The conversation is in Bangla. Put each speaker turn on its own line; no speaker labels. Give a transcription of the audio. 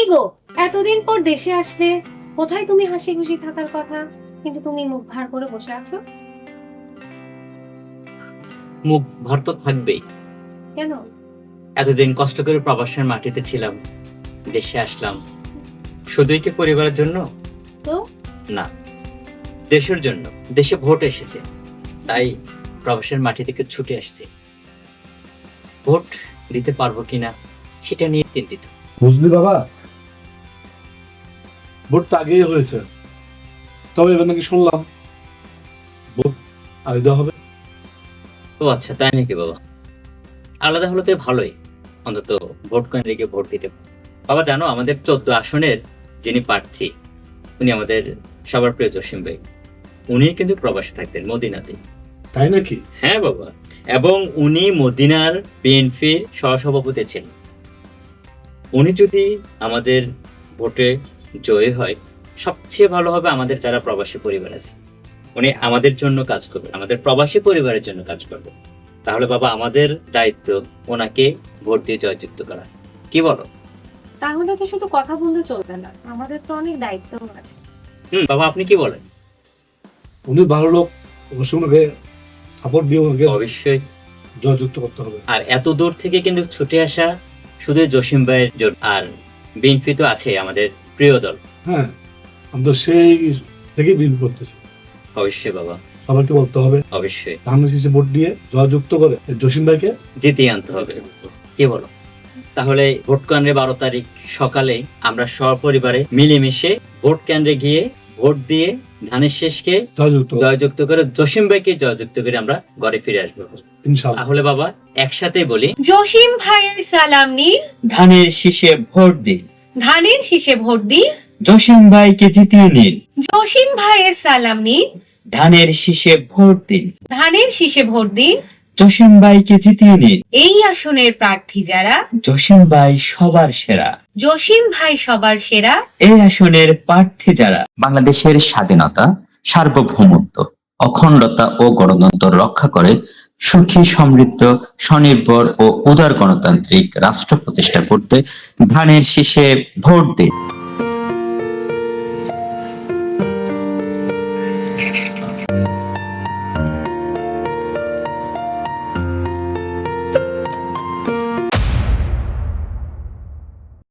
গো, এতদিন পর দেশে আসলে কোথায় তুমি হাসি খুশি থাকার কথা, কিন্তু তুমি মুখ ভার করে বসে আছো
মুখ ভার তো থাকবেই।
কেন?
এতদিন কষ্ট করে প্রবাসের মাটিতে ছিলাম, দেশে আসলাম শুধুই কি পরিবারের জন্য?
তো
না, দেশের জন্য। দেশে ভোট এসেছে, তাই প্রবাসের মাটি থেকে ছুটে আসছি। ভোট দিতে পারবো কিনা সেটা নিয়ে চিন্তিত।
বুঝলি বাবা, ভোট তো আগেই হয়েছে, তবে এবার নাকি শুনলাম ভোট আগে দেওয়া হবে।
ও আচ্ছা, তাই নাকি বাবা? আলাদা হলে তো ভালোই, অন্তত ভোট কেন্দ্রে গিয়ে ভোট দিতে। বাবা জানো, আমাদের 14 আসনের যিনি প্রার্থী, উনি আমাদের সবার প্রিয় জসিম ভাই। উনি কিন্তু প্রবাসে থাকতেন, মদিনাতে।
তাই নাকি?
হ্যাঁ বাবা, এবং উনি মদিনার বিএনপির সহসভাপতি ছিলেন। উনি যদি আমাদের ভোটে জয়ী হয়, সবচেয়ে ভালো হবে আমাদের যারা প্রবাসী পরিবার আছে। উনি আমাদের জন্য কাজ করবে, আমাদের প্রবাসী পরিবারের জন্য কাজ করবে। তাহলে বাবা, আমাদের দায়িত্ব ওনাকে ভোট দিয়ে জয়যুক্ত করা। কি বলো?
তাহলে তো শুধু কথা বললে চলবে না, আমাদের তো অনেক দায়িত্ব আছে।
বাবা, আপনি কি বলেন?
উনি ভালো লোক, অবশ্যই ওনাকে সাপোর্ট দিয়ে ওনাকে
অবশ্যই।
জয়যুক্ত করতে হবে।
আর এত দূর থেকে কিন্তু ছুটে আসা শুধু জসিম ভাইয়ের জন্য, আর বিএনপি তো আছে আমাদের প্রিয় দল।
হ্যাঁ, আমি তো সেই থেকেই বিল করতেছি।
অবশ্যই বাবা,
সবাইকে বলতে হবে
অবশ্যই
ধানের শীষে ভোট দিয়ে জয়যুক্ত করে জসিম ভাইকে
জিতিয়ে আনতে হবে। কি বলো? তাহলে ভোট কেন্দ্রে 12 তারিখ সকালে আমরা সপরিবারে মিলেমিশে ভোট কেন্দ্রে গিয়ে ভোট দিয়ে ধানের শেষকে জয়যুক্ত করে জসিম ভাইকে জয়যুক্ত করে আমরা ঘরে ফিরে আসবো
ইনশাআল্লাহ।
তাহলে বাবা, একসাথে বলি,
জসিম ভাইয়ের সালাম নিন,
ধানের শীষে ভোট দিন,
ধানের শীষে ভোট দিন।
জসিম ভাইকে জিতিয়ে নিন।
জসিম ভাইয়ের সালাম নিন,
ধানের শীষে ভোট দিন,
ধানের শীষে ভোট দিন।
জসিম ভাইকে জিতিয়ে নিন।
এই আসনের প্রার্থী যারা,
জসিম ভাই সবার সেরা।
জসিম ভাই সবার সেরা।
এই আসনের প্রার্থী যারা
বাংলাদেশের স্বাধীনতা, সার্বভৌমত্ব, অখণ্ডতা ও গণতন্ত্র রক্ষা করে সুখী, সমৃদ্ধ, স্বনির্ভর ও উদার গণতান্ত্রিক রাষ্ট্র প্রতিষ্ঠা করতে ধানের শীষে ভোট দিন।